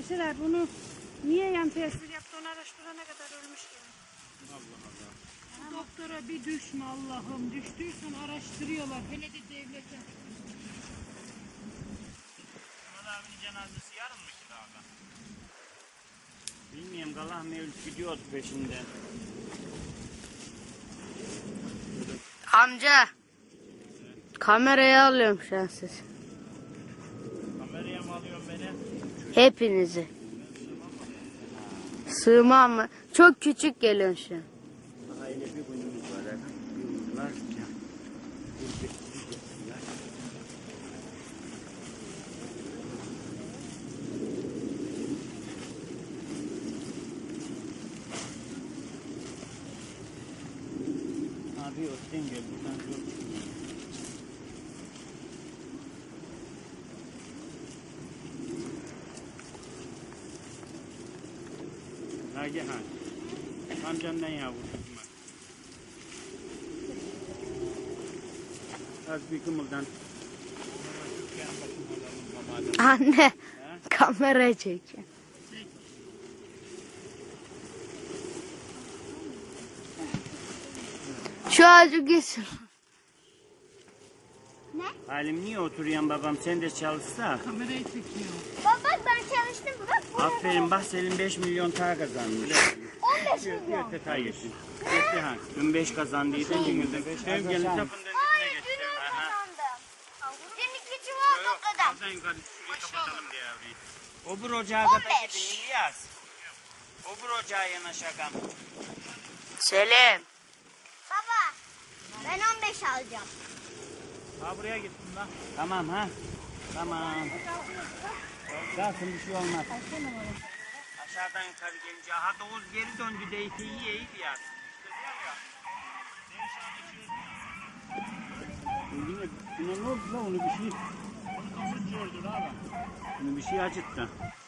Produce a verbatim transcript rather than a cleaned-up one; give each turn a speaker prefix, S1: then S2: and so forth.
S1: Deseler bunu niye yan tesir yaptı onu araştırana kadar ölmüş gibi.
S2: Allah Allah.
S1: Bu doktora bir düşme Allah'ım. Düştüysen araştırıyorlar. Hele de devlete.
S2: Murat abinin cenazesi yarın mı ki daha? Bilmiyorum, Allah mevlüt gidiyoruz peşinden.
S3: Amca. Kamerayı alıyorum şu an siz.
S2: Kameraya mı alıyorsun beni?
S3: Hepinizi. Sığmam mı? Çok küçük geliyorsun şu an.
S2: Aile bir günümüz var. ha. Bir gün var. ya. Bir bir bir bir. Abi ötten gel. Buradan zor çıkıyor. Nagihan. Amcandan yavrum. Az bir kımıldan.
S3: Anne. Kamerayı çekiyor. Şu ağacı geçsin.
S2: Halim niye oturuyorsun babam? Sen de çalışsa.
S1: Kamerayı çekiyor.
S4: Baba ben çalıştım. Bak bu
S2: Aferin, bak Selim beş milyon daha kazanmış.
S4: on beş milyon.
S2: Hayır. Geçti ha. Dün beş kazandıydı. Dün de beş. Ev gelin tapın
S4: Hayır dün on kazandım. Dün iki çuval topladım.
S2: Kazan yukarı şurayı kapatalım diye abi. Obur ocağa kadar
S4: on beş.
S2: gidin İlyas. Obur ocağa yanaşakam.
S3: Selim.
S4: Baba ben on beş alacağım.
S2: Ha buraya gittim lan. Tamam ha. Tamam. Kalsın, bir şey olmaz. Aşağıdan yukarı gelince. Ha Doğuz geri döndü de iti iyi iyi ya. Yine, yine ne oldu lan, onu bir şey. Onu bir şey acıttı.